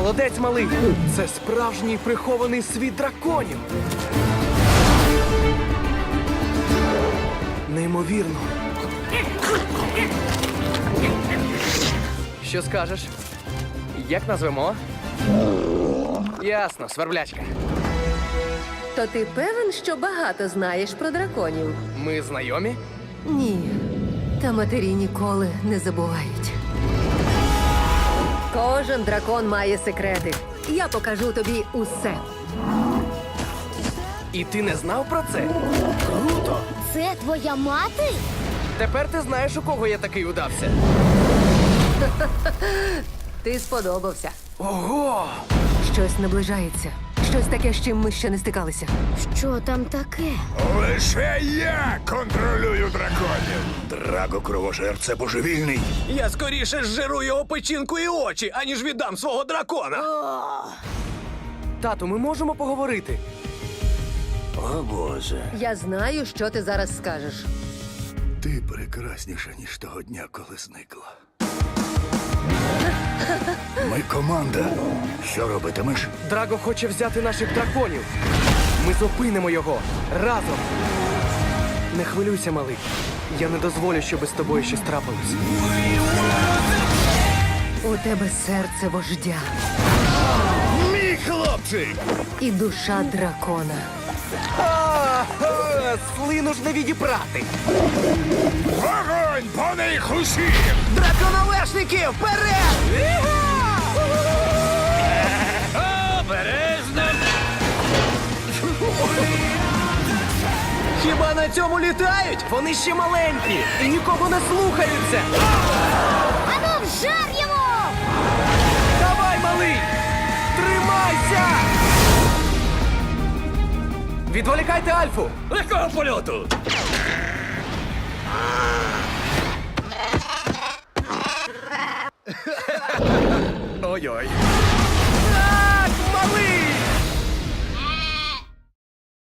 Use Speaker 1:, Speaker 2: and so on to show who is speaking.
Speaker 1: Молодець, малий! Це справжній прихований світ драконів! Неймовірно! Що скажеш? Як назвемо? Ясно, сверблячка.
Speaker 2: То ти певен, що багато знаєш про драконів?
Speaker 1: Ми знайомі?
Speaker 2: Ні. Та матері ніколи не забувають. Кожен дракон має секрети. Я покажу тобі усе.
Speaker 1: І ти не знав про це? Круто!
Speaker 3: Це твоя мати?
Speaker 1: Тепер ти знаєш, у кого я такий удався.
Speaker 2: Ти сподобався.
Speaker 1: Ого!
Speaker 2: Щось наближається. Щось таке, з чим ми ще не стикалися.
Speaker 3: Що там таке?
Speaker 4: Лише я контролюю драконів. Драго Кровожер – це божевільний.
Speaker 5: Я скоріше зжиру його печінку і очі, аніж віддам свого дракона.
Speaker 1: Тату, ми можемо поговорити?
Speaker 4: О, Боже.
Speaker 2: Я знаю, що ти зараз скажеш.
Speaker 4: Ти прекрасніша, ніж того дня, коли зникла. Ми команда. Що робитимеш?
Speaker 1: Драго хоче взяти наших драконів. Ми зупинимо його разом. Не хвилюйся, малий. Я не дозволю, щоб з тобою щось трапилось.
Speaker 2: У тебе серце вождя
Speaker 4: Мій хлопчик!
Speaker 2: і душа дракона.
Speaker 1: Слину ж не відіпрати.
Speaker 4: Вогонь по них усіх!
Speaker 1: Драконовешники, вперед!
Speaker 5: Обережно! Хіба на цьому літають?
Speaker 1: Вони ще маленькі і нікого не слухаються.
Speaker 3: Ану, вжар йому!
Speaker 1: Давай, малий! Тримайся! Відволікайте Альфу!
Speaker 5: Легкого польоту!
Speaker 1: Ой-ой. Так, малий!